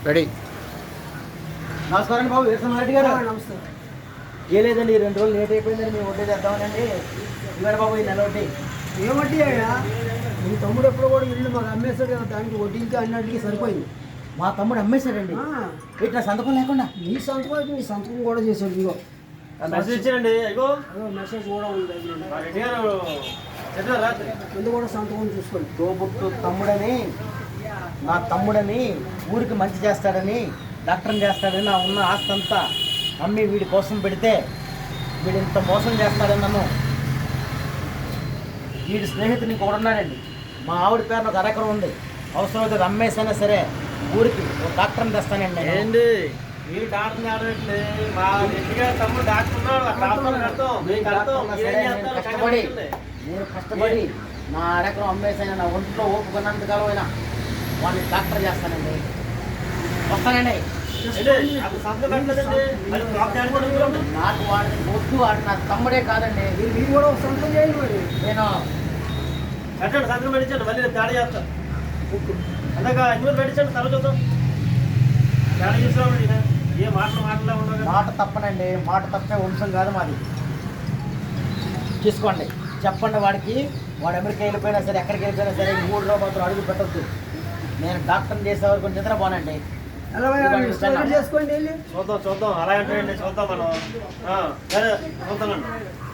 Ready. నమస్కారం బాబు, వీరసింహారెడ్డి గారు. నమస్తే. ఏ లేదండి, 2 రోజులు లేట్ అయిపోయిందండి. మేము వడ్డీ చేద్దామనండి. ఇవాళ బాబు ఈ నెల వడ్డీ. ఏం వడ్డీ అయ్యా? మీ తమ్ముడు ఎప్పుడు కూడా ఇల్లు మాకు అమ్మేస్తాడు కదా, దానికి వడ్డీకి అన్నింటికి సరిపోయింది. మా తమ్ముడు అమ్మేశాడండి. ఇట్లా సంతకం లేకుండా. నీ సంతకం అయితే నీ సంతకం కూడా చేశాడు. ఇగో మెసేజ్ ఇచ్చానండి. ఇగో మెసేజ్ కూడా ఉంది. రెడ్డి గారు చెప్పారు రాత్రి. కింద కూడా సంతకం చూసుకోండి. తోబుట్టు తమ్ముడని, నా తమ్ముడని, ఊరికి మంచి చేస్తాడని, డాక్టర్ని చేస్తాడని, నా ఉన్న ఆస్తి అంతా అమ్మి వీడి కోసం పెడితే వీడు ఇంత మోసం చేస్తాడని నన్ను. వీడి స్నేహితుడు ఇంకొకడు ఉన్నాడండి. మా ఆవిడ పేరున ఒక అరెకరం ఉంది. అవసరమైతే అది అమ్మేసైనా సరే ఊరికి ఒక డాక్టర్ని తెస్తానండి నేను. ఏంటి మీరు డాక్టర్ ఆడట్లే? మా రెడ్డి గారు తమ్ముడు డాక్టర్ ఉన్నాడు. కష్టపడి నేను కష్టపడి నా అరెకరం అమ్మేసైనా నా ఒంట్లో ఓపుకున్నంతకాలం అయినా వాడిని డాక్టర్ చేస్తానండి. వస్తానండి. నాకు వాడిని వద్దు, వాడు నా తమ్ముడే కాదండి. మీరు కూడా ఒక సంతకం చేయండి. మరి నేను కట్టండి, సంతకం పెట్టించండి. మళ్ళీ నేను తేడా చేస్తాను. అందాక ఇందులో పెట్టించండి. తల చూద్దాం. తేడా చూసామండి. ఏ మాటలు ఉండవు. మాట తప్పనండి. మాట తప్పే వంశం కాదు మాది. చూసుకోండి, చెప్పండి వాడికి. వాడు అమెరికా వెళ్ళిపోయినా సరే, ఎక్కడికి వెళ్ళిపోయినా సరే, 3 రోజులు మాత్రం అడుగు పెట్టద్దు. నేను డాక్టర్ని చేసే వరకు నిద్ర పోనండి. ఎలా చేసుకోండి వెళ్ళి. చూద్దాం. అలా అంటే చూద్దాం మనం. సరే చూద్దామండి.